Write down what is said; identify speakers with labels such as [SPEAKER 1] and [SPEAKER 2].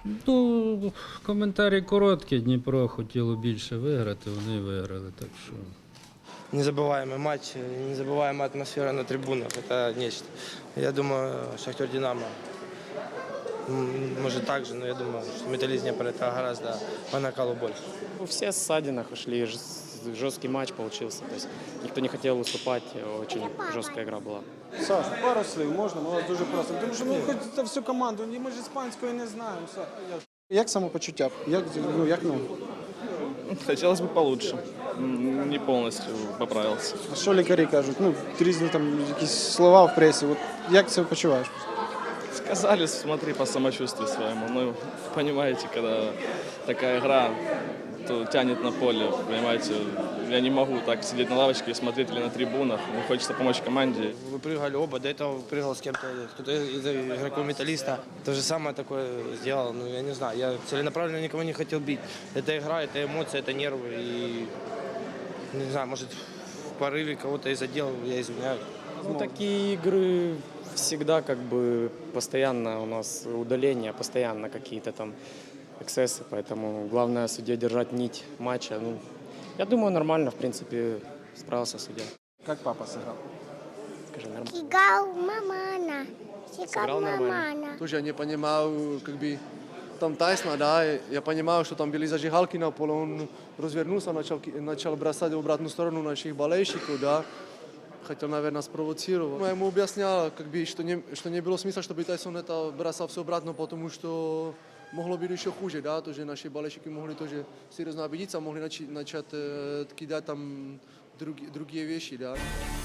[SPEAKER 1] Ну, коментарі короткі. Дніпро хотіло більше виграти, вони виграли. Так що
[SPEAKER 2] Незабываемый матч, незабываемая атмосфера на трибунах. Это нечто. Я думаю, Шахтер Динамо может так же, но я думаю, что Металлист Днепр это гораздо по накалу больше.
[SPEAKER 3] Все в ссадинах ушли, жесткий матч получился. То есть никто не хотел уступать, очень жесткая игра была.
[SPEAKER 4] Саш, пару слів можна, ми вас дуже просимо. Тому що ми хоч за всю команду, ми ж іспанської не знаємо. Як самопочуття? Як ну?
[SPEAKER 5] Хотелось бы получше. Не полностью поправился.
[SPEAKER 4] А що лікарі кажуть? Ну, різні там якісь слова в пресі. От як це почуваєш?
[SPEAKER 5] Сказали, смотри по самочувствию своему. Ну, понимаете, когда такая игра, то тянет на поле, понимаете. Я не могу так сидеть на лавочке и смотреть или на трибунах. Мне хочется помочь команде.
[SPEAKER 2] Выпрыгали оба, до этого выпрыгал с кем-то, кто-то из игроков Металлиста. То же самое такое сделал, ну я не знаю, я целенаправленно никого не хотел бить. Это игра, это эмоции, это нервы и, не знаю, может в порыве кого-то и задел, я извиняюсь.
[SPEAKER 3] Ну, такие игры всегда как бы постоянно у нас удаления, постоянно какие-то там эксцессы, поэтому главное судье держать нить матча. Ну, я думаю, нормально, в принципе, справился судья.
[SPEAKER 4] Як папа зіграв?
[SPEAKER 3] Скажи, нормально.
[SPEAKER 6] Сигал мамана.
[SPEAKER 3] Сыграл
[SPEAKER 6] Сигал
[SPEAKER 3] нормально.
[SPEAKER 6] мамана.
[SPEAKER 7] Тоже я не понимал, как бы там Тайсона, да, я понимал, что там были зажигалки на поле, он развернулся, начал бросать в обратную сторону наших болельщиков, да, хотел, наверное, спровоцировать. Я ему объяснял, как бы, что не было смысла, чтобы Тайсон это бросал все обратно, потому что могло быть еще хуже, да, то, что наши болельщики могли тоже серьезно обидеться, могли начать кидать там другие вещи, да.